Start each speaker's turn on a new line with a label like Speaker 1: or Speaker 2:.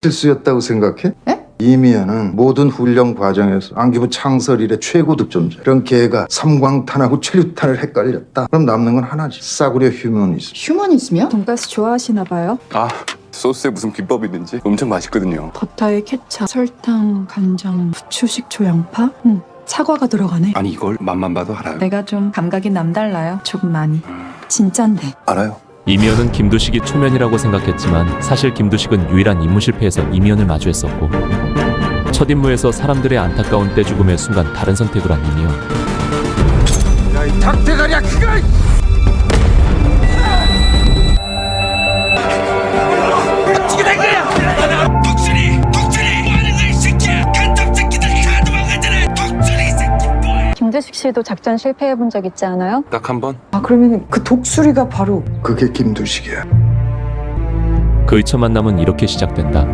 Speaker 1: 실수였다고 생각해?
Speaker 2: 에?
Speaker 1: 이미연은 모든 훈련 과정에서 안기부 창설 이래 최고 득점자. 이런 걔가 삼광탄하고 최루탄을 헷갈렸다. 그럼 남는 건 하나지. 싸구려 휴머니즘.
Speaker 2: 휴머니즘이요?
Speaker 3: 돈가스 좋아하시나 봐요?
Speaker 4: 아, 소스에 무슨 비법이 있는지 엄청 맛있거든요.
Speaker 3: 버터에 케찹, 설탕, 간장, 후추, 식초, 양파? 사과가 들어가네.
Speaker 4: 아니 이걸 맛만 봐도 알아요.
Speaker 3: 내가 좀 감각이 남달라요. 조금 많이. 진짠데.
Speaker 4: 알아요.
Speaker 5: 이미연은 김두식이 초면이라고 생각했지만 사실 김두식은 유일한 임무 실패에서 이미연을 마주했었고 첫 임무에서 사람들의 안타까운 떼죽음의 순간 다른 선택을 한 이미연.
Speaker 1: 야, 이 닭대가리야, 그거!
Speaker 6: 어떻게 된 거야? 독수리 뭐하는 거야 이 새끼야? 간첩 새끼들 다 도망가잖아. 독수리 이 새끼 뭐야?
Speaker 7: 김두식 씨도 작전 실패해본 적 있지 않아요?
Speaker 4: 딱 한 번.
Speaker 2: 아, 그러면 그 독수리가 바로
Speaker 1: 그게 김두식이야.
Speaker 5: 그의 첫 만남은 이렇게 시작된다.